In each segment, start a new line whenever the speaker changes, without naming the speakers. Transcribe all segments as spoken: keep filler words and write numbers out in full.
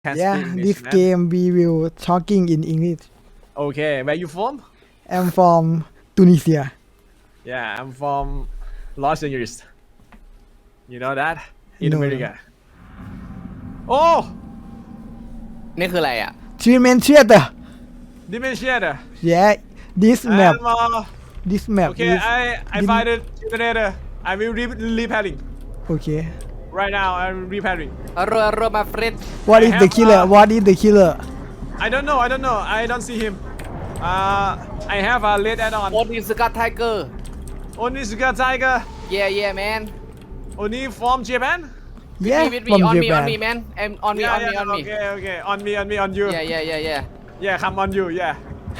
can
Yeah,
speak English,
this
man.
game we will talking in English.
Okay, where you from?
I'm from Tunisia.
Yeah, I'm from Los Angeles. You know that? In
No,
America. Oh,
นี่คืออะไรอ่ะ
Treatment theater.
dementia.
Yeah, this map.
I'm, uh,
This map
okay,
is
I I
dim-
find it generator. I will re repairing.
okay.
Right now, I'm repairing.
อารอารอมาเฟรน
What
I
is the
have,
killer?
uh,
What is the killer?
I don't know. I don't know. I don't see him. Uh, I have a red add-on.
โอนิสกัดไทเกอร์
Only Suga Tiger.
เย่เย่แมน
Only from Japan.
Yeah,
วิดวี
from
ออนมีออน
Japan.
มีแมนเอ็มออนมีอ
Yeah,
อนมีอ
yeah.
อนมี
Okay, okay. On me, on me, on you.
เย่เย่เย่เย่
Yeah, come on you. Yeah.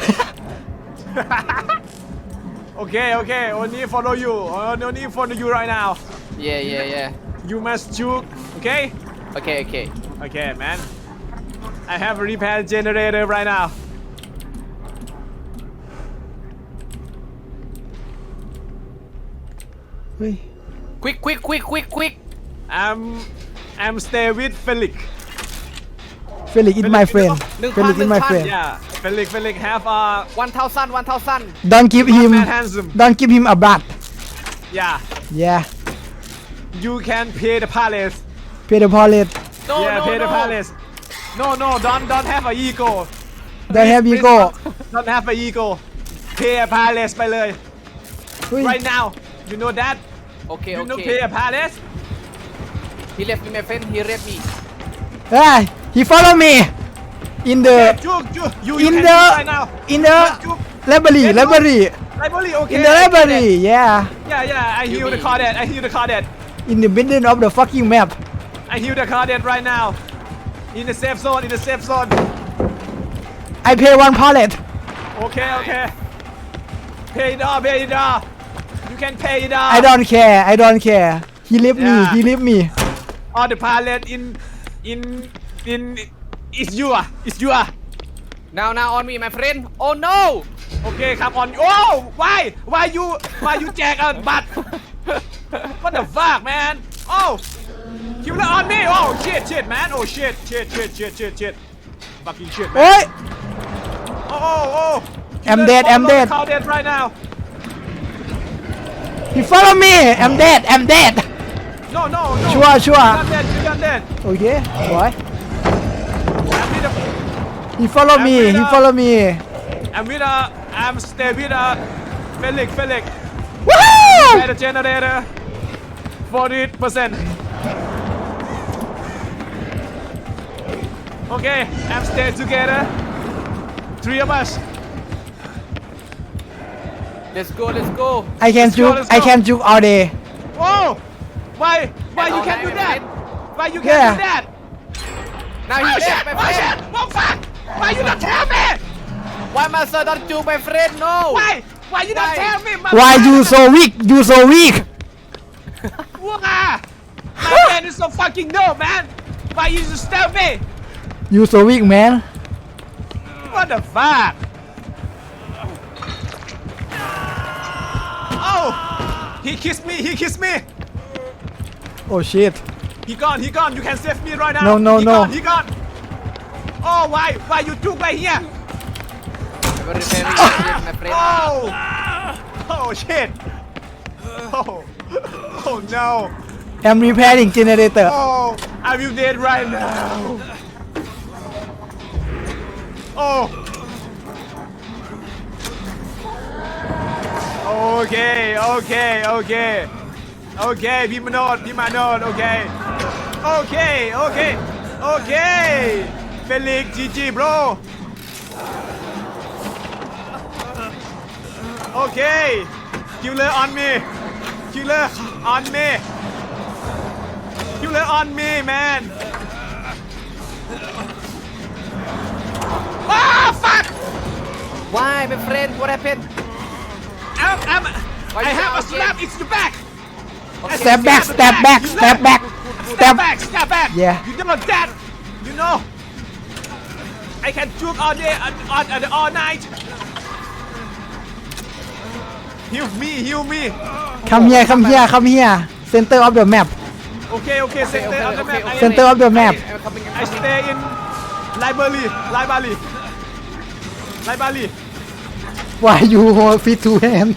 Okay, okay. Only follow you. Only follow you right now.
เย่เย่เย่
You must shoot. Okay.
โอเคโอเค
Okay, man. I have a repair generator right now.
Ui,
ควิกควิกควิกควิกควิก
I'm I'm stay with Felix.
Felix is my friend.
หนึ่งพัน
Felix
หนึ่
is
ง
my
พัน
friend.
Yeah, Felix Felix have a
วันเท่าสั้นวันเท่าสั้น
Don't give him.
man handsome.
Don't give him a bat.
Yeah.
Yeah,
You can pay the palace.
pay the pallet.
no
Yeah,
no
pay the
no
palace. No, no, don't don't have a ego.
Don't have
Please,
ego.
please Don't have a ego. Pay a palace ไปเลย
Ui,
Right now. You know that?
โอเค
You
โอ
know
เค
pay a palace?
he left me my friend he left me
ah, he follow me in the
You, you, you, you
in
can
the
shoot right now.
in the
You,
library,
Yes,
library,
library, okay.
in the
I get
library.
it.
Yeah,
Yeah, yeah. I heal the
mean-
car dead. I heal the car dead.
in the middle of the fucking map.
I heal the car dead right now. In the safe zone. In the safe zone.
I pay one pallet.
Okay, okay. Pay it off. Pay it off. You can pay it off.
I don't care. I don't care. He leave me.
Yeah.
He leave me.
All the pallet in in in. It's you. ah. It's you. ah.
now now on me my friend oh no
Okay, come on. Oh, why? Why you? Why you jack a butt? What the fuck, man? Oh, killer on me. Oh shit, shit, man. Oh shit, shit, shit, shit, shit, shit. Fucking shit, man.
Oi!
Oh, oh, oh.
I'm
Killer
dead, I'm
follow
dead.
Cow dead right now.
He follow me. I'm dead. I'm dead.
No, no, no.
Sure, sure.
You're not dead. You're not dead.
Okay. Why?
I'm with a,
He follow me.
I'm
He
with, uh,
follow me.
I'm with a, I'm stay with a Felix, Felix.
Woo!
Better generator. forty percent. Okay, I'm stay together. Three of us.
let's go let's go
I can
Let's go,
juke.
let's
I
go.
can juke all day.
Oh, why, why
And
you
all
can't do
night,
that?
right?
Why you can't
Yeah.
do that?
now he
Oh
left
shit!
my
Oh shit!
friend
Oh fuck! Why you not tell me?
why master don't you my friend no
Why? Why you not
Why?
tell me? My
Why
man-
you so weak? You so weak.
Wah! My man is so fucking dope, man. Why you just tell me?
You so weak, man.
What the fuck? Oh! He kissed me. He kissed me.
Oh shit.
He gone. He gone. You can save me right now.
No, no,
he
no.
Gone, he gone. Oh, why? Why you took right here?
very very very my friend
Oh! Oh shit! Oh! Oh no!
I'm repairing generator.
Oh! I will dead right now. Oh! Okay, okay, okay. Okay, พี่มาโนดพี่มาโนด okay. Okay, okay. Okay. Felix, G G, bro. Okay. Killer on me. Killer on me. Killer on me, man. Ah, fuck!
why my friend what happened
I'm, I'm,
Why
I
you
have a
down
slap. It's the back. I
Step back.
stab
Step
the
back.
You
Step
know?
back.
Step
Step.
back. Step back.
Yeah.
You know that. You know. I can juke all day and all, and all night. Heal me. Heal me.
Come here. Come here. Come here. Center of the map.
Okay. Okay. Center
okay,
of the
okay,
map.
okay.
I,
Center of the map.
I'm coming
I stay in library library library
Why you hold fit two hand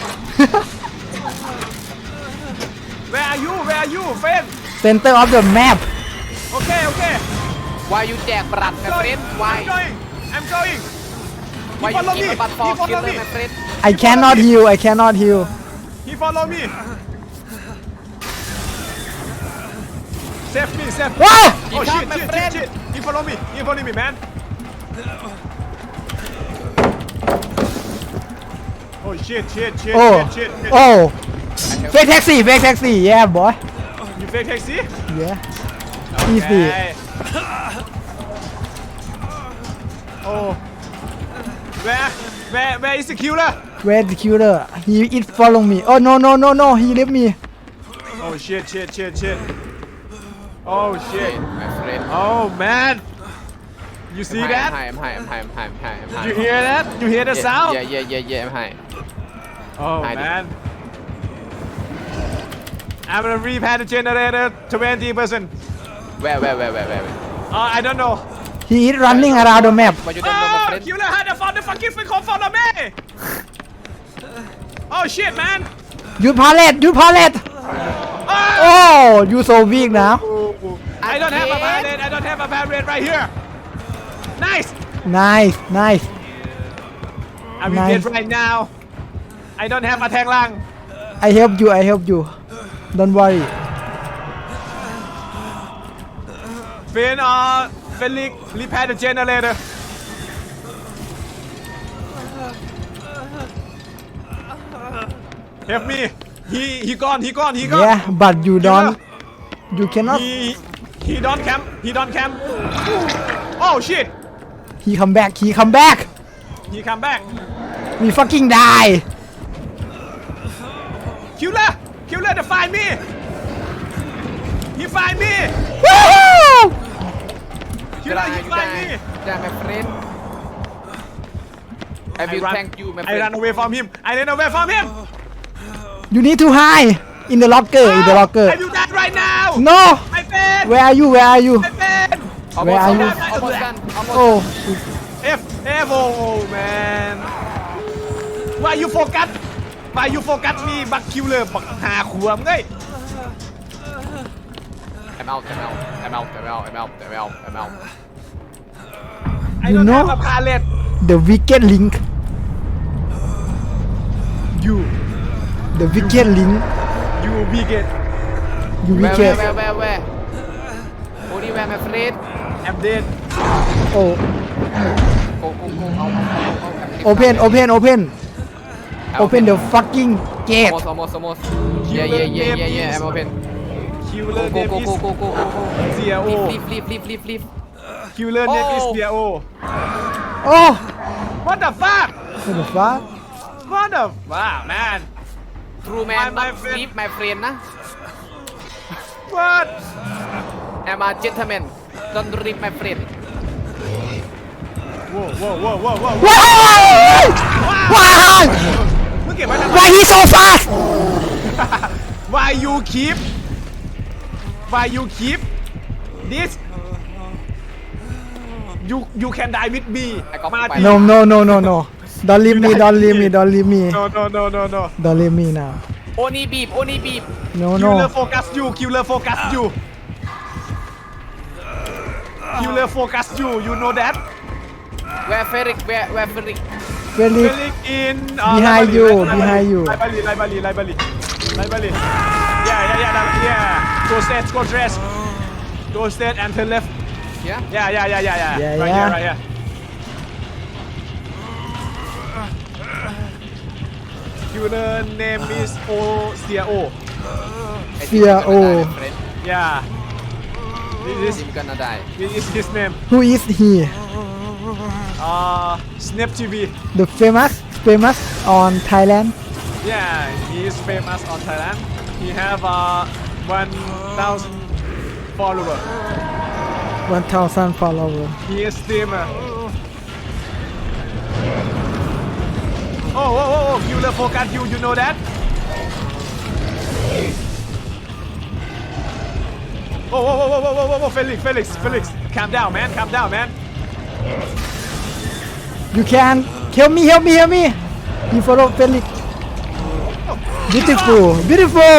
where are you where are you friend
Center of the map
okay okay
Why you แจกบรัด my friend Why
I'm going I'm going
Why
he
you
follow me
give a butt
he
for
follow
killer
me
my friend
I cannot heal I cannot heal
he follow me save me save me
Ah!
oh
He
shit
come, my
shit
friend.
shit shit he follow me he follow me man oh shit shit shit
Oh
shit shit shit
Oh Fake taxi fake taxi yeah boy
you fake taxi
yeah Easy
okay. oh where where where is the killer
Where the killer He it follow me Oh no no no no He leave me
oh shit shit shit shit oh shit
my friend
oh man you see
I'm
that
high I'm high I'm high I'm high I'm high I'm high
you hear that you hear the sound
Yeah yeah yeah yeah I'm high
oh
Hide it.
man I'm gonna repair the generator twenty percent
Where where where where where
uh, I don't know
He is running around the map
Why you don't know my
oh
friend
killer had found the fucking freaking follow me oh shit man
หยุดพาเลตหยุดพาเลต
oh
Oh you so weak now
I don't have a parade I don't have a parade right here nice
Nice nice
I will
Nice.
get right now I don't have a แทงล่าง
I help you I help you Don't worry
Finn uh Felix repair the generator help me he he gone he gone he gone
Yeah but you don't You cannot
he he don't camp he don't camp oh shit
He come back He come back
he come back
We fucking die
killer killer to find me he find me
Woohoo
killer he find me
Yeah my friend I
I
will
run
thank you my
I run
friend
away from him I ran away from him
You need to hide In the locker In the locker
I will die right now
No
my friend
Where are you Where are you
my friend
Where are you?
Almost done almost
Oh
F F oh man why you focus why you focus me บักคิวเลยบักหาขวมเงย
I'm out I'm out I'm out I'm out I'm out I'm out I'm out
I
You
don't
know-
have a palette
The wicked link
you
The wicked link
you we get
You
Where
wicked
where where where where Only where my friend
I'm dead
Oh
Go go go เอาเอาเอาเอา
Open Open Open Open the fucking gate
Almost almost almost Yeah yeah yeah yeah yeah I'm open
killer
Go
name
go
is
go go go go go
Zio
Leave leave leave leave leave
killer name is
Oh.
Zio
Oh
what the fuck
What the fuck
what the fuck man
True man
My- my
not
friend.
leave my friend นะ
what
I'm a gentleman don't leave my friend
whoa whoa whoa whoa whoa
Why Why
มึงเก็บไว้ทำไม
Why he so fast
why you keep why you keep this you you can die with me
ไอ้ก๊อฟ
มา
ไป
ดิ
No no no no no Don't leave me Don't leave me Don't leave me
no no no no no
Don't leave me now
Only beep only beep
No
killer
no
focus you killer focus you killer focus you you know that
Where Ferric where where Ferric
Very
Felix in uh,
Behind
library,
you,
library,
behind you.
library library library library yeah yeah yeah that- yeah go straight go straight go straight and turn left
yeah
yeah yeah yeah yeah yeah
Yeah,
right
yeah.
here right here killer name is O C O
I think
Fear,
you're gonna die,
oh.
my friend.
yeah this is
You're gonna die
this is his name
Who is he
uh Snap T V
The famous Famous on Thailand
yeah he is famous on Thailand he have uh one thousand follower
one thousand followers
he is streamer oh oh oh oh killer focus you you know that oh oh oh oh oh oh oh Felix Felix Felix calm down man calm down man
You can help me, help me, help me. You follow Felix. Beautiful, beautiful.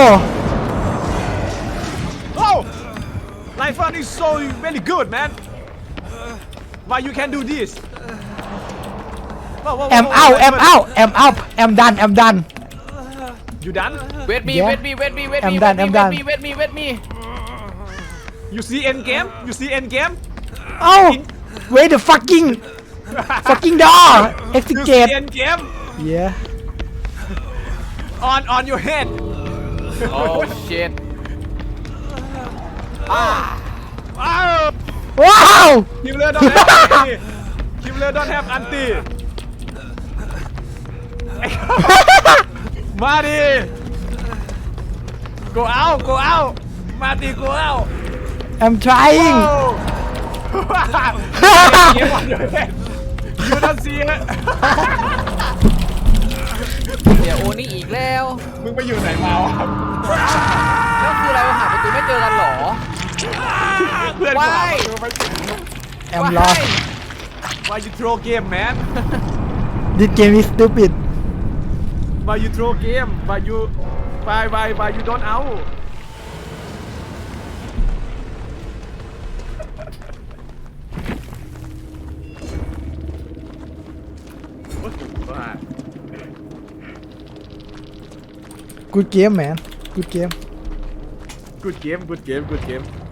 Oh! Life on is so very good, man. Why you can do this? Whoa, whoa, whoa,
I'm
whoa,
out,
whoa,
I'm
whoa.
out, I'm out. I'm done, I'm done.
You done?
wait me
Yeah.
wait me wait me wait
I'm
me
done,
wait
I'm
me
done.
wait me wait me wait me
You see end game? You see end game?
Oh, wait the fucking, fucking door.
You see
Execute.
end game?
Yeah.
On on your head.
oh shit
Wow!
Wow.
Killer don't have anti. Killer don't have anti. มาดิ go out go out มาดิ go out
I'm trying.
oh Game on your head you don't see it
เดี๋ยวโอนี่อีกแล้ว
มึงไปอยู่ไหนมาวะ
แล้วคืออะไรวะหาประตูไม่เจอกันเหรอ
เพื่อนกูหา
Why?
ประตูไม่เจอ
I'm lost.
Why you throw game man
This game is stupid.
Why you throw game Why you Why why why you don't out
Good game, man. Good game.
Good game good game good game